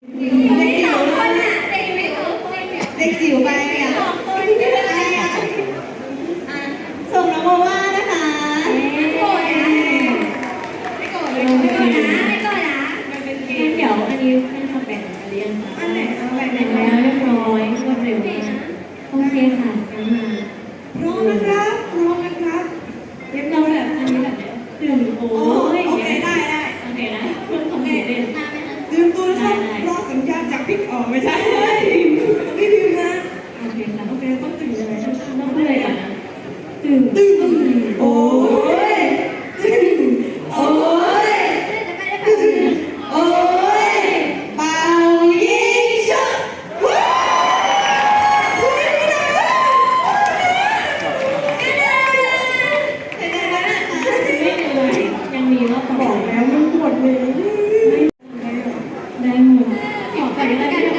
เด็กจิ๋วคนอ่ะเด็กจิ๋วไปอ่ะอะไรอ่ะส่งน้องโมว่านะคะไม่โกรธนะไม่โกรธนะไม่โกรธนะมันเป็นเกมเดี๋ยวอันนี้เป็นคำแบ่งอะไรยังคะอันไหนเอาไปไหนแบ่งแล้วเรียบร้อยรวดเร็วมากโอเคค่ะงั้นมาพร้อมนะครับพร้อมนะครับเรียบร้อยแบบอันนี้แบบตื่นโอ้ยโอเคได้โอเคนะคุณทำเด่นดื่มตัวนะครับรอสัญญาณจากพิกออกไม่ใช่ไม่ดื่มนะโอเคค่ะโอเคต้องตื่นยังไงต้องพูดอะไรก่อนนะตื่นโอ้ยโอ้ยโอ้ยเป่ายิงชุบว้าวคุณไม่ได้ไม่เหนื่อยยังมีรอบต่อบอกแล้วมันปวดเลยได้หมดขอไปได้ไหม